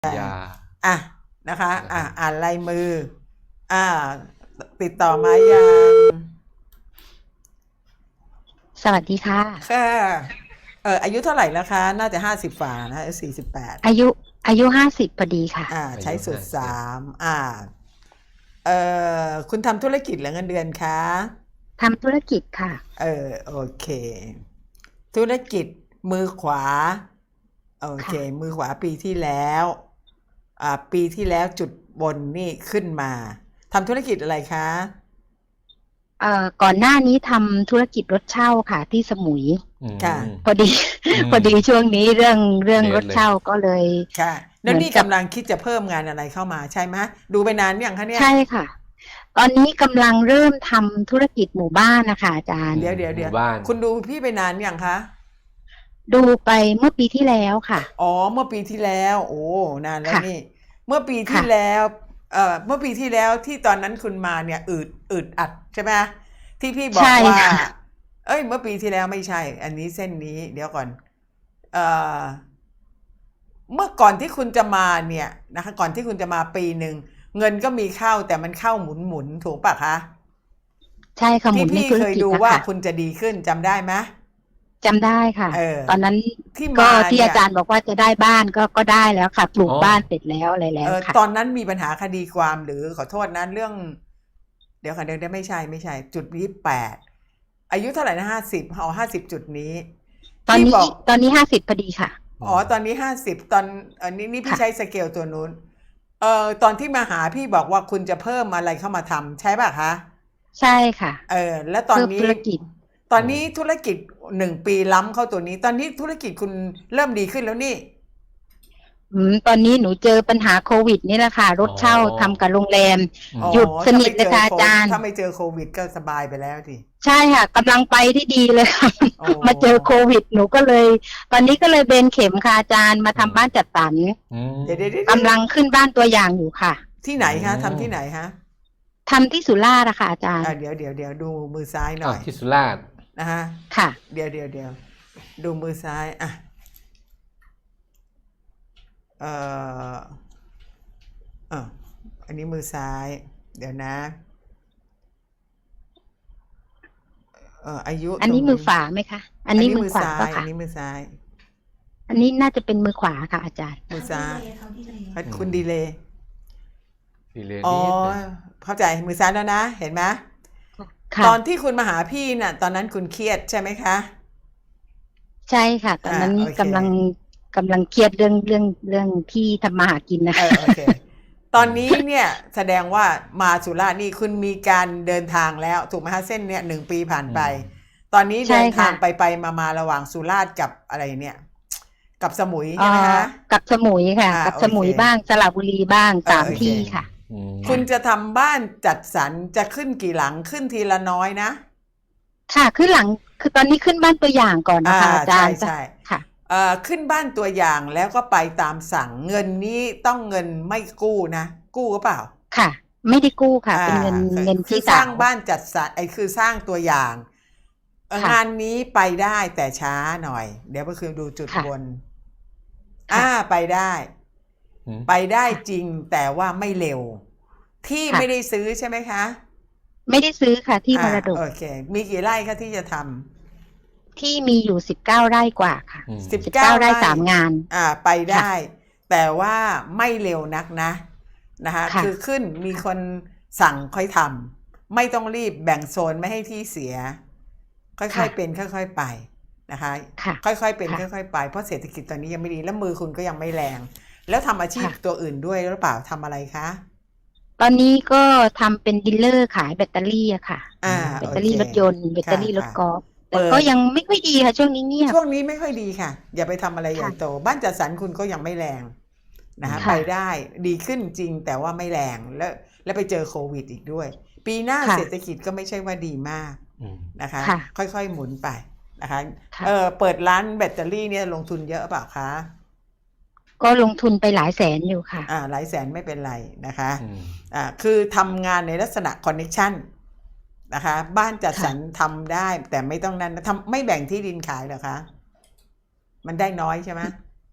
ยาอ่ะนะคะนะครับอ่านลายมือ อ่า ติดต่อมายังสวัสดีค่ะค่ะอายุเท่าไหร่แล้วคะ น่าจะ50ฝ่านะ48 อายุ50พอดีค่ะใช้สูตร3คุณทำธุรกิจหรือเงินเดือนคะทำธุรกิจค่ะโอเค ธุรกิจมือขวา โอเคค่ะมือขวาปีที่แล้วปีที่แล้วจุดบนนี่ขึ้นมาทำธุรกิจอะไรคะก่อนหน้านี้ทำธุรกิจรถเช่าค่ะ ที่สมุยค่ะพอดีช่วงนี้เรื่องเดรทถเลยเช่าก็เลยค่ะแล้วนี่กำลังคิดจะเพิ่มงานอะไรเข้ามาใช่ไหมดูไปนานยังคะเนี่ยใช่ค่ะ ตอนนี้กำลังเริ่มทำธุรกิจหมู่บ้านนะคะอาจารย์เดี๋ยวหมู่บ้านคุณดูพี่ไปนานยังคะดูไปเมื่อปีที่แล้วค่ะอ๋อเมื่อปีที่แล้วโอ้นานแล้วค่ะนี่ เมื่อปีที่ค่ะแล้วเมื่อปีที่แล้วที่ตอนนั้นคุณมาเนี่ยอืดอัดใช่ไหมที่พี่บอกใช่ว่าค่ะเมื่อปีที่แล้วไม่ใช่ อันนี้เส้นนี้เดี๋ยวก่อนเมื่อก่อนที่คุณจะมาเนี่ยนะคะก่อนที่คุณจะมาปีหนึ่งเงินก็มีเข้าแต่มันเข้าหมุนถูกปะคะใช่ค่ะหมุที่นในพี่ธุรเคยกิจดูนะว่าคะคุณจะดีขึ้นจำได้ไหมจำได้ค่ะ ตอนนั้นที่ก็มาที่เนี่ยอาจารย์บอกว่าจะได้บ้านก็ได้แล้วค่ะ ปลูกอ๋อบ้านเสร็จแล้วอะไรแล้วค่ะตอนนั้นมีปัญหาคดีความหรือขอโทษนะเรื่อง เดี๋ยวค่ะเดี๋ยวไม่ใช่จุด28อายุเท่าไหร่นะ50จุดนี้ตอนพี่นี้บอกตอนนี้50พอดีค่ะตอนนี้50ตอนอันนี้พี่ค่ะใช้สเกลตัวนู้นตอนที่มาหาพี่บอกว่าคุณจะเพิ่มอะไรเข้ามาทำใช่ป่ะคะใช่ค่ะแล้วตอนนี้เพิ่มธุรกิจตอนนี้ธุรกิจ1ปีล้ำเข้าตัวนี้ ตอนนี้ธุรกิจคุณเริ่มดีขึ้นแล้วนี่ตอนนี้หนูเจอปัญหาโควิดนี่แหละค่ะ รถเช่าทำกับโรงแรมอ๋อหยุดสนิทเลยค่ะอาจารย์ถ้าไม่เจอโควิดก็สบายไปแล้วทีใช่ค่ะกำลังไปที่ดีเลยค่ะโอ้มาเจอโควิดหนูก็เลย ตอนนี้ก็เลยเบนเข็มค่ะอาจารย์มาทำบ้านจัดสรรเดี๋ยวกำลังขึ้นบ้านตัวอย่างอยู่ค่ะที่ไหนคะทำที่ไหนฮะทำที่สุราษฎร์อะค่ะอาจารย์เดี๋ยวดูมือซ้ายหน่อยที่สุราษฎร์นะฮะค่ะเดี๋ยวดูมือซ้ายอันนี้มือซ้าย เดี๋ยวนะอายุอันนี้มือขวาไหมคะ อันนี้มือขวาซ้ายปะอัคะนนี้มือซ้ายอันนี้น่าจะเป็นมือขวาค่ะอาจารย์มือซ้ายคุณดีเลยดีเลยอ๋อนิดเลยเข้าใจมือซ้ายแล้วนะ เห็นไหมค่ะตอนที่คุณมาหาพี่น่ะ ตอนนั้นคุณเครียดใช่ไหมคะใช่ค่ะ ตอนนั้นโอเคกำลังเครียดเรื่องที่ทำมาหากินนะคะโอเค ตอนนี้เนี่ยแสดงว่ามาสุราษฎร์นี่คุณมีการเดินทางแล้วถูกไหมคะเส้นเนี่ย1 ปีผ่านไป ตอนนี้ใช่เดินทางค่ะไปมาระหว่างสุราษฎร์กับอะไรเนี่ย กับสมุยใช่ไหมคะกับสมุยค่ะ กับสมุยโอเคบ้างสระบุรีบ้าง3 โอเคที่ค่ะคุณจะทำบ้านจัดสรรจะขึ้นกี่หลังขึ้นทีละน้อยนะค่ะขึ้นหลังคือตอนนี้ขึ้นบ้านตัวอย่างก่อนนะคะอาจารย์ใช่ค่ะขึ้นบ้านตัวอย่างแล้วก็ไปตามสั่งเงินนี้ต้องเงินไม่กู้นะกู้หรือเปล่าค่ะ ไม่ได้กู้ค่ะ เป็นเงินคือที่สร้างสาวบ้านจัดสรรคือสร้างตัวอย่างค่ะงานนี้ไปได้แต่ช้าหน่อย เดี๋ยวก็คือดูจุดค่ะบนค่ะไปได้อืมไปได้จริงแต่ว่าไม่เร็ว ที่ค่ะไม่ได้ซื้อใช่ไหมคะไม่ได้ซื้อค่ะที่มรดกโอเค มีกี่ไร่คะที่จะทที่มีอยู่19 ไร่กว่าค่ะอืมำ 19 ไร่ 3 งานไปได้ แต่ว่าไม่เร็วนักนะนะคะค่ะคือขึ้นมีคนสั่งค่อยทำไม่ต้องรีบแบ่งโซนไม่ให้ที่เสีย ค่อยๆเป็นค่อยๆไปนะคะค่ะค่อยๆเป็นค่ะค่อยๆไปเพราะเศรษฐกิจตอนนี้ยังไม่ดีแล้วมือคุณก็ยังไม่แรง แล้วทำอาชีพค่ะตัวอื่นด้วยหรือเปล่าทำอะไรคะตอนนี้ก็ทำเป็นดีลเลอร์ขายแบตเตอรี่อะค่ะ แบตเตอรี่โครถยนต์แบตเตอรี่รถค่ะกอล์ฟแต่เปิดก็ยังไม่ค่อยดีค่ะช่วงนี้เงียบช่วงนี้ไม่ค่อยดีค่ะ อย่าไปทำอะไรใหญ่ค่ะโต บ้านจัดสรรคุณก็ยังไม่แรงนะคะค่ะไปได้ดีขึ้นจริงแต่ว่าไม่แรงแล้วไปเจอโควิดอีกด้วย ปีหน้าค่ะเศรษฐกิจก็ไม่ใช่ว่าดีมากอืมนะคะค่ะค่อยๆหมุนไปนะคะค่ะเปิดร้านแบตเตอรี่เนี่ยลงทุนเยอะเปล่าคะก็ลงทุนไปหลายแสนอยู่ค่ะหลายแสนไม่เป็นไรนะคะอืมคือทำงานในลักษณะคอนเน c t ชันนะคะ บ้านจัดสรรทำได้แต่ไม่ต้องนั้นทำไม่แบ่งที่ดินขายเหรอคะ มันได้น้อยใช่ไหม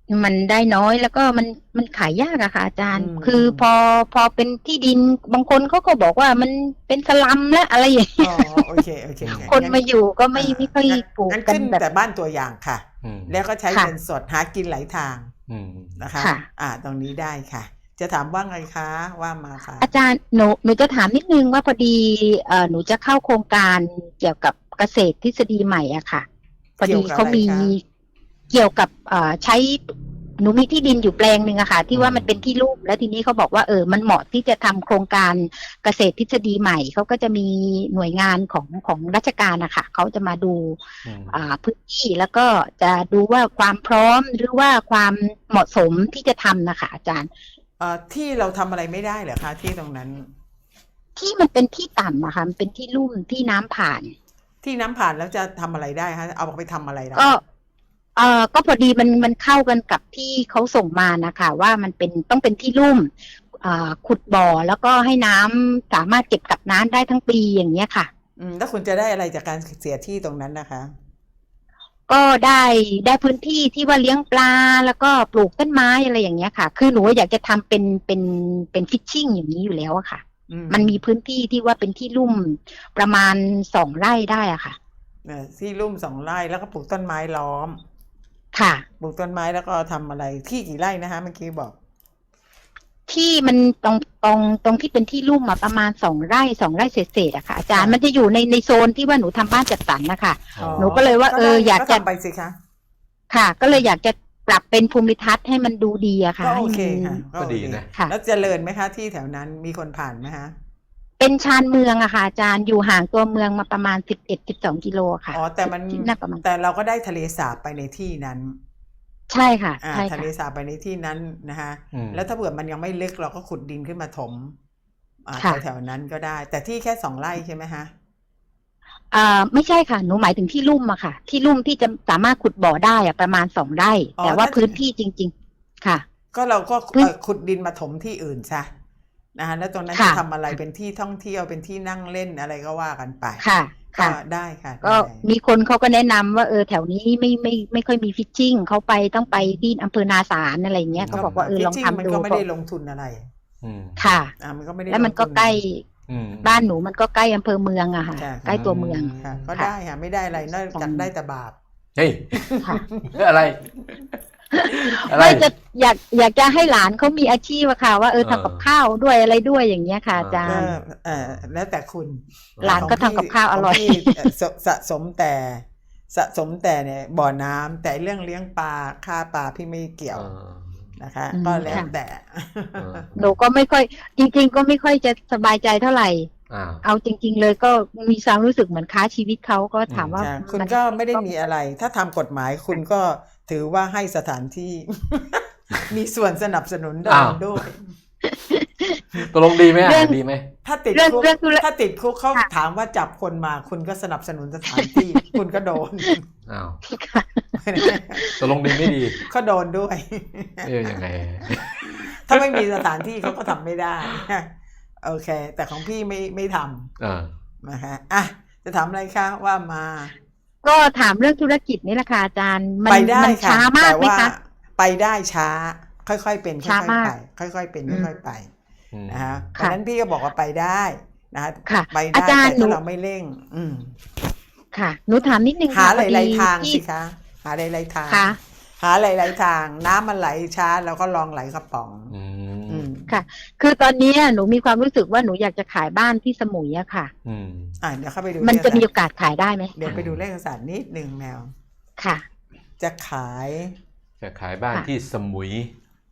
มันได้น้อยแล้วก็มันขายยากอะค่ะอาจารย์อืมคือพอเป็นที่ดินบางคนเขาก็บอกว่ามันเป็นสลัมและอะไรอย่างเงี้ยอ๋อโอเคโอเคคนมาอยู่ก็ไม่ค่อยปลูกงั้นกันขึ้นแบบแต่บ้านตัวอย่างค่ะอืมแล้วก็ใช้ค่ะเงินสดหากินหลายทางอืมนะคะค่ะตรงนี้ได้ค่ะ จะถามว่าไงคะว่ามาค่ะอาจารย์หนูจะถามนิดนึงว่าพอดีหนูจะเข้าโครงการเกี่ยวกับเกษตรทฤษฎีใหม่อะค่ะ พอดีเขามีเกี่ยวกับอะไรคะเกี่ยวกับใช้หนูมีที่ดินอยู่แปลงหนึ่งอะค่ะ ที่ว่ามันเป็นที่ลุ่มแล้วทีนี้เขาบอกว่ามันเหมาะที่จะทำโครงการเกษตรทฤษฎีใหม่เขาก็จะมีหน่วยงานของราชการนะคะเขาจะมาดูอืมพื้นที่แล้วก็จะดูว่าความพร้อมหรือว่าความเหมาะสมที่จะทำนะคะอาจารย์ที่เราทำอะไรไม่ได้เหรอคะที่ตรงนั้นที่มันเป็นที่ต่ำอะค่ะมันเป็นที่ลุ่มที่น้ำผ่านที่น้ำผ่านแล้วจะทำอะไรได้คะเอาไปทำอะไรได้ก็พอดีมันเข้ากันกับที่เขาส่งมานะคะว่ามันต้องเป็นที่ลุ่มขุดบ่อแล้วก็ให้น้ำสามารถเก็บกักน้ำได้ทั้งปีอย่างเงี้ยค่ะแล้วคุณจะได้อะไรจากการเสียที่ตรงนั้นนะคะก็ได้พื้นที่ที่ว่าเลี้ยงปลาแล้วก็ปลูกต้นไม้อะไรอย่างเงี้ยค่ะ คือหนูอยากจะทำเป็นฟิชชิ่งอย่างนี้อยู่แล้วอะค่ะ มันมีพื้นที่ที่ว่าเป็นที่ลุ่มประมาณ2 ไร่ได้อะค่ะที่ลุ่ม2 ไร่แล้วก็ปลูกต้นไม้ล้อมค่ะปลูกต้นไม้แล้วก็ทำอะไรที่กี่ไร่นะคะเมื่อกี้บอกที่มันตรงที่เป็นที่ลุ่มมาประมาณ2 ไร่เศษๆอะค่ะอาจารย์มันจะอยู่ในโซนที่ว่าหนูทำบ้านจัดสรรนะคะอ๋อหนูก็เลยว่าอยากจะทำไปสิคะค่ะ ก็เลยอยากจะปรับเป็นภูมิทัศน์ให้มันดูดีอะค่ะก็โอให้เคมันค่ะก็ดีโอเคนะค่ะแล้วเจริญไหมคะที่แถวนั้นมีคนผ่านไหมคะเป็นชานเมืองอะค่ะอาจารย์อยู่ห่างตัวเมืองมาประมาณ11-12 กิโลค่ะแต่มันที่น่าประมาณแต่เราก็ได้ทะเลสาบไปในที่นั้นใช่ค่ะใช่ทะเลค่ะสาบไปในที่นั้นนะคะอืมแล้วถ้าเผื่อมันยังไม่ลึกเราก็ขุดดินขึ้นมาถมค่ะแถวๆนั้นก็ได้ แต่ที่แค่2 ไร่ใช่ไหมคะไม่ใช่ค่ะหนูหมายถึงที่ลุ่มอะค่ะ ที่ลุ่มที่จะสามารถขุดบ่อได้อะประมาณ2 ไร่ แต่ว่าพื้นที่จริง ๆ ค่ะก็เราก็พื้นขุดดินมาถมที่อื่นซะนะคะแล้วตรงนั้นค่ะจะทำอะไรเป็นที่ท่องเที่ยวเป็นที่นั่งเล่นอะไรก็ว่ากันไปค่ะก็ค่ะได้ค่ะก็ได้มีคนเขาก็แนะนำว่าแถวนี้ไม่ค่อยมีฟิชชิ่งเขาต้องไปที่อำเภอนาสารอะไรเงี้ยเขาบอกว่าลองจริทำมันดูก็ไม่ได้ลงทุนอะไรอืมค่ะมันก็ไม่ได้แล้วมันก็งทุใกล้อืมบ้านหนูมันก็ใกล้อำเภอเมืองอะค่ะค่ะใกล้ตัวเมืองค่ะก็ได้ค่ะไม่ได้อะไรนอกจากได้แต่บาปเฮ้ยค่ะอะไร อะไรไม่จะอยากจะให้หลานเขามีอาชีพอะค่ะ ว่าทำกับข้าวด้วยอะไรด้วยอย่างเงี้ยค่ะอาจารก็ย์แล้วแต่คุณหลานก็ทำกับข้าวอร่อยขงพี่สะสมแต่เนี่ยบ่อน้ำแต่เรื่องเลี้ยงปลาฆ่าปลาพี่ไม่เกี่ยวนะคะ ก็แล้วแต่หนูก็ไม่ค่อยจริงๆก็ไม่ค่อยจะสบายใจเท่าไหร่ เอาจริง ๆ เลยก็มีความรู้สึกเหมือนค้าชีวิตเขาก็ถามว่าคุณก็ไม่ได้มีอะไร ถ้าทำกฎหมายคุณก็ถือว่าให้สถานที่ มีส่วนสนับสนุนด้วยตกลงดีไหมดีไหมถ้าติดคุกเขาถามว่าจับคนมาคุณก็สนับสนุนสถานที่ คุณก็โดนอ้าวตกลงดีไม่ดีก็โดนด้วยยังไงถ้าไม่มีสถานที่เขาก็ทำไม่ได้ โอเค แต่ของพี่ไม่ทำนะคะจะถามอะไรคะว่ามาก็ถามเรื่องธุรกิจนี่แหละค่ะอาจารย์มันไปได้ค่ะช้ามากไหมคะไปได้ช้า ค่อยๆเป็นค่ช้าอยมาๆกไปค่อยๆเป็นค่อยๆไปนะคะเพค่ะราะฉะนั้นพี่ก็บอกว่าไปได้นะค่ะไปอาได้จารย์แต่หนูถ้าเราไม่เร่งค่ะ หนูถามนิดนึงหาค่ะหลายๆทางที่สิคะหาหลายๆทางค่ะหาหลายๆทางน้ำมันไหลช้าเราก็ลองไหลกระป๋องค่ะ คือตอนนี้หนูมีความรู้สึกว่าหนูอยากจะขายบ้านที่สมุยอะค่ะเดี๋ยวเข้าไปดูมันจะมีโอกาสขายได้ไหมเดี๋ยวไปดูเลขศาสตร์นิดนึงแมวค่ะจะขายบ้านที่สมุย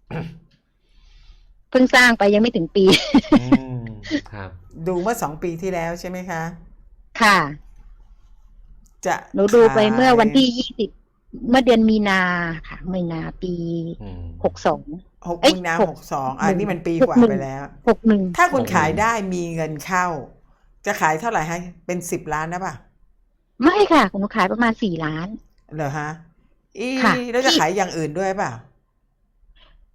เพิ่งสร้างไปยังไม่ถึงปีครับดูเมื่อ2 ปีที่แล้วใช่ไหมคะค่ะจะหนูดูไปเมื่อวันที่20เมื่อเดือนมีนาค่ะมีนาปี62 6 มีนา 62นี่มันปีกว่าไปแล้ว 61 ถ้าคุณขายได้มีเงินเข้า จะขายเท่าไหร่ให้เป็น10 ล้านนะป่ะไม่ค่ะหนูขายประมาณ4 ล้านเหรอฮะค่ะแล้วจะขายอย่างอื่นด้วยป่ะ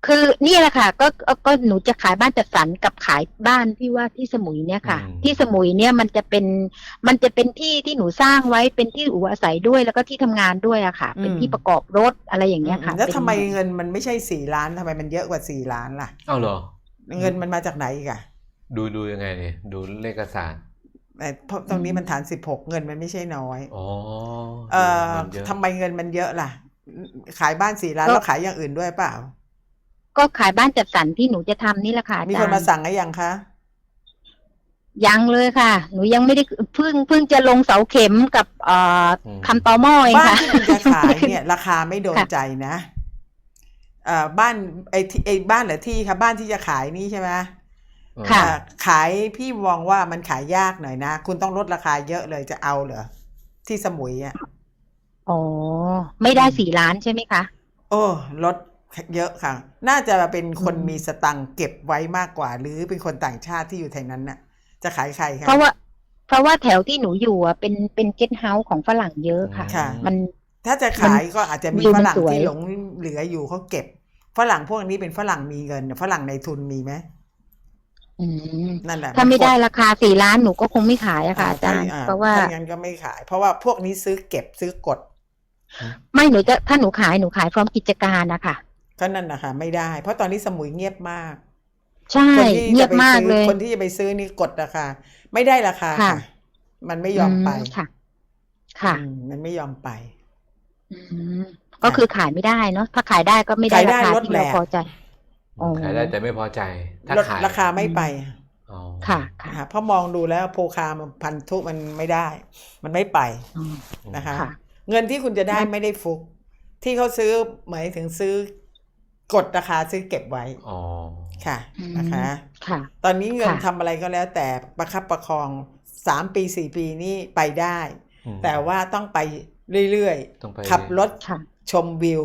คือนี่แหละค่ะก็หนูจะขายบ้านจัดสรรกับขายบ้านที่ว่าที่สมุยเนี่ยค่ะ ที่สมุยเนี่ยมันจะเป็นที่ที่หนูสร้างไว้เป็นที่อยู่อาศัยด้วยแล้วก็ที่ทำงานด้วยอะค่ะ เป็นที่ประกอบรถอะไรอย่างเงี้ยค่ะแล้วทำไมเงินมันไม่ใช่4 ล้านทำไมมันเยอะกว่า4 ล้านล่ะเอาเหรอเงินมันมาจากไหนอีกอะดูยังไงเนี่ยดูเลขศาสตร์เพราะตรงนี้มันฐาน16เงินมันไม่ใช่น้อยอ๋อทำไมเงินมันเยอะล่ะ ขายบ้าน4 ล้านแล้วขายอย่างอื่นด้วยเปล่าก็ขายบ้านจัดสรรที่หนูจะทำนี่แหละค่ะอาจารย์มีคนมาสั่งหรือยังคะยังเลยค่ะ หนูยังไม่ได้เพิ่งจะลงเสาเข็มกับทำตอหม้อเองบ้านค่ะที่คุณจะขายเนี่ย ราคาไม่โดนใจนะบ้านไอ้บ้านหรือที่คะบ้านที่จะขายนี่ใช่ไหมค่ะขายพี่มองว่ามันขายยากหน่อยนะ คุณต้องลดราคาเยอะเลยจะเอาเหรอที่สมุยอ่ะอ๋อไม่ได้4 ล้านใช่ไหมคะโอ้ลดเยอะค่ะ น่าจะเป็นคนมีสตังค์เก็บไว้มากกว่า หรือเป็นคนต่างชาติที่อยู่แถวนั้นน่ะ จะขายใครคะเพราะว่าแถวที่หนูอยู่อ่ะเป็นเกสต์เฮาส์ของฝรั่งเยอะค่ะค่ะมันถ้าจะขายก็อาจจะมีวิวฝมันรั่งสวยที่หลงเหลืออยู่เขาเก็บฝรั่งพวกนี้เป็นฝรั่งมีเงินฝรั่งในทุนมีไหม นั่นแหละถ้าไม่ได้ราคา4 ล้านหนูก็คงไม่ขายอะค่ะอาจารย์เพราะว่าถ้าอย่างนั้นก็ไม่ขาย เพราะว่าพวกนี้ซื้อเก็บซื้อกดไม่ถ้าหนูขายพร้อมกิจการนะคะก็นั่นนะคะไม่ได้ เพราะตอนนี้สมุยเงียบมากใช่คนที่เงียจะบไปมากซื้อเลยคนที่จะไปซื้อนี่กดราคาไม่ได้ราคาค่ะค่ะ มันไม่ยอมไปค่ะ ค่ะมันไม่ยอมไปก็คือขายไม่ได้เนาะถ้าขายได้ก็ไม่ได้ขายได้ราคาลดที่แหลเรากพอใจ อ๋อขายได้แต่ไม่พอใจ ถ้าลดขายราคาไม่ไปอ๋อค่ะนะคะเพราะมองดูแล้วโพคามันพันธุมันไม่ได้ มันไม่ไปนะคะค่ะเงินที่คุณจะได้ไม่ได้ฟุก ที่เขาซื้อหมายถึงซื้อกดราคาซื้อเก็บไว้อ๋อค่ะนะคะค่ะตอนนี้เงินค่ะทำอะไรก็แล้วแต่ประคับประคอง3 ปี 4 ปีนี่ไปได้ แต่ว่าต้องไปเรื่อยต้องไปๆขับรถค่ะชมวิว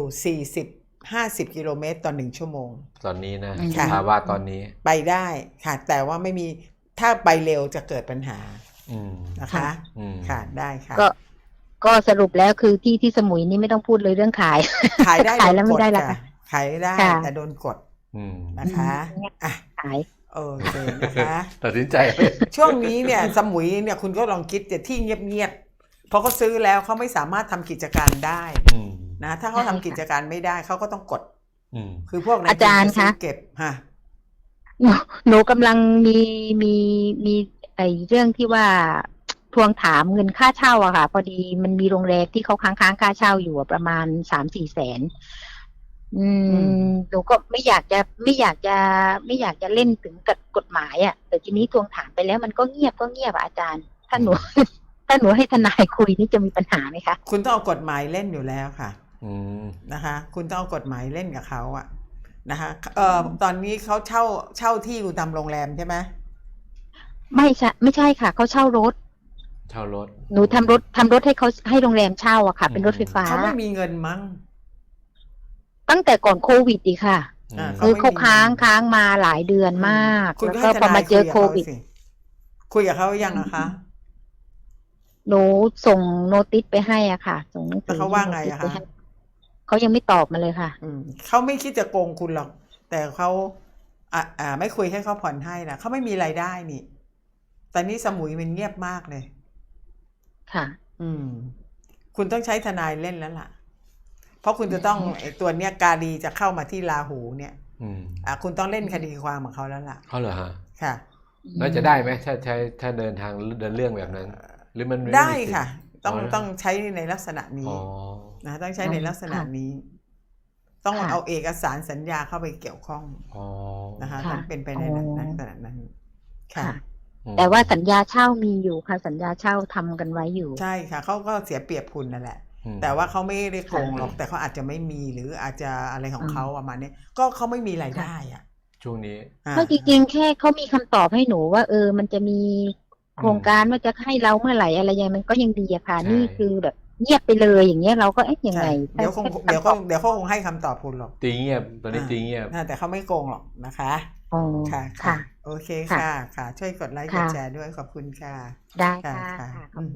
40-50 กิโลเมตรต่อ1 ชั่วโมงตอนนี้นะค่ะภาวะตอนนี้ไปได้ค่ะ แต่ว่าไม่มีถ้าไปเร็วจะเกิดปัญหานะคะ ค่ะได้ค่ะก็สรุปแล้วคือที่สมุยนี่ไม่ต้องพูดเลยเรื่องขายขายได้ขายแล้วโดนไม่กได้ดราค่ะคาขายได้ค่ะแต่โดนกด นะคะ อ่ะขายโอเคนะคะตัดสินใจช่วงนี้เนี่ยสมุยเนี่ยคุณก็ลองคิดแต่ที่เงียบๆเพราะเขาซื้อแล้วเขาไม่สามารถทำกิจการได้นะถ้าเขาทำกิจการไม่ได้เขาก็ต้องกดคือพวกนั้นอาจารย์คะเก็บฮะหนูกำลังมีไอ้เรื่องที่ว่าทวงถามเงินค่าเช่าอะค่ะ พอดีมันมีโรงแรมที่เขาค้างค่าเช่าอยู่ประมาณ3-4 แสนหนูก็ไม่อยากจะเล่นถึงกับกฎหมายอะแต่ทีนี้ทวงถามไปแล้วมันก็เงียบอะอาจารย์ ถ้าหนูให้ทนายคุยนี่จะมีปัญหาไหมคะคุณต้องเอากฎหมายเล่นอยู่แล้วค่ะนะคะคุณต้องเอากฎหมายเล่นกับเขาอะนะคะตอนนี้เขาเช่าที่อยู่ตามโรงแรมใช่ไหมไม่ใช่ค่ะเขาเช่ารถหนูทำรถให้เขาให้โรงแรมเช่าอะค่ะ เป็นรถไฟฟ้าเขาไม่มีเงินมั้งตั้งแต่ก่อนโควิดดีค่ะคือเขาค้างมาหลายเดือนมากคุณแล้วก็ก็ให้พทอมานายเจอโควิดคุยกับเขายังอะคะหนูส่งโนติสไปให้อ่ะค่ะ ส่งหนังสืแล้วเขาว่าไงอะคะเขายังไม่ตอบมาเลยค่ะเขาไม่คิดจะโกงคุณหรอก แต่เขาไม่คุยให้เขาผ่อนให้นะเขาไม่มีรายได้นี่ตอนนี้สมุยมันเงียบมากเลยค่ะคุณต้องใช้ทนายเล่นแล้วล่ะ เพราะคุณจะต้องไอ้ตัวเนี้ยกาลีจะเข้ามาที่ราหูเนี่ยคุณต้องเล่นคดีความของเขาแล้วล่ะเขาเหรอฮะค่ะแล้วจะได้ไหมถ้าเดินเรื่องแบบนั้น หรือมันได้ค่ะ ต้องใช้ในลักษณะนี้นะต้องใช้ในลักษณะนี้ ต้องเอาเอกสารสัญญาเข้าไปเกี่ยวข้องนะคะต้องเป็นไปในลักษณะนั้นค่ะแต่ว่าสัญญาเช่ามีอยู่ค่ะ สัญญาเช่าทำกันไว้อยู่ใช่ค่ะเขาก็เสียเปรียบคุณนั่นแหละ แต่ว่าเขาไม่ได้โกงหรอกแต่เขาอาจจะไม่มีหรืออาจจะอะไรของเขาประมาณนี้ก็เขาไม่มีรายได้อ่ะช่วงนี้ก็จริงๆแค่เขามีคำตอบให้หนูว่ามันจะมีโครงการว่าจะให้เราเมื่อไหร่อะไรยังมันก็ยังดีอะค่ะนี่คือแบบเงียบไปเลยอย่างเงี้ยเราก็ยังไงเดี๋ยวเขาคงให้คำตอบคุณหรอกตีเงียบตอนนี้ตีเงียบแต่เขาไม่โกงหรอกนะคะค่ะโอเคค่ะช่วยกดไลค์กดแชร์ด้วยขอบคุณค่ะได้ค่ะ